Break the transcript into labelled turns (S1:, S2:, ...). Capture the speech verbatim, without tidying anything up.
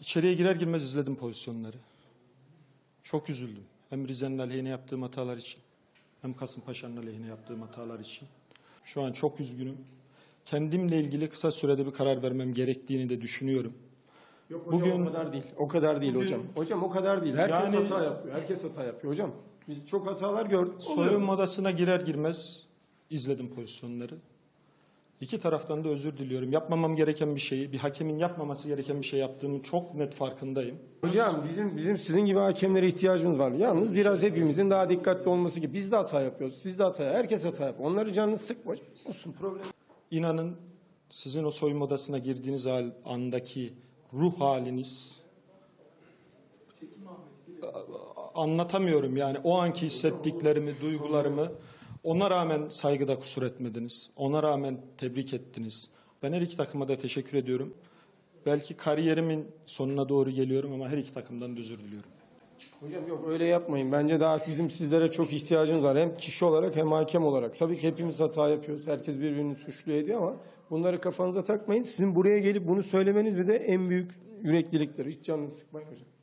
S1: İçeriye girer girmez izledim pozisyonları. Çok üzüldüm. Hem Rize'nin aleyhine yaptığım hatalar için, hem Kasımpaşa'nın aleyhine yaptığım hatalar için. Şu an çok üzgünüm. Kendimle ilgili kısa sürede bir karar vermem gerektiğini de düşünüyorum.
S2: Yok hocam,
S1: Bugün,
S2: o kadar değil. O kadar değil
S1: bugün,
S2: hocam. Hocam o kadar değil. Herkes
S1: yani,
S2: hata yapıyor. Herkes hata yapıyor hocam. Biz çok hatalar gördük.
S1: Soyunma odasına girer girmez izledim pozisyonları. İki taraftan da özür diliyorum. Yapmamam gereken bir şeyi, bir hakemin yapmaması gereken bir şey yaptığımın çok net farkındayım.
S2: Hocam bizim bizim sizin gibi hakemlere ihtiyacımız var. Yalnız biraz hepimizin daha dikkatli olması gibi. Biz de hata yapıyoruz. Siz de hata yapıyorsunuz. Herkes hata yapıyor. Onları canınız sıkma. Olsun, problem.
S1: İnanın sizin o soyunma odasına girdiğiniz hal, andaki ruh haliniz anlatamıyorum yani o anki hissettiklerimi, duygularımı. Ona rağmen saygıda kusur etmediniz. Ona rağmen tebrik ettiniz. Ben her iki takıma da teşekkür ediyorum. Belki kariyerimin sonuna doğru geliyorum ama her iki takımdan da özür diliyorum.
S2: Hocam yok, öyle yapmayın. Bence daha bizim sizlere çok ihtiyacımız var. Hem kişi olarak hem hakem olarak. Tabii ki hepimiz hata yapıyoruz. Herkes birbirini suçluyor ediyor ama bunları kafanıza takmayın. Sizin buraya gelip bunu söylemeniz bir de en büyük yürekliliktir. Hiç canınızı sıkmayın hocam.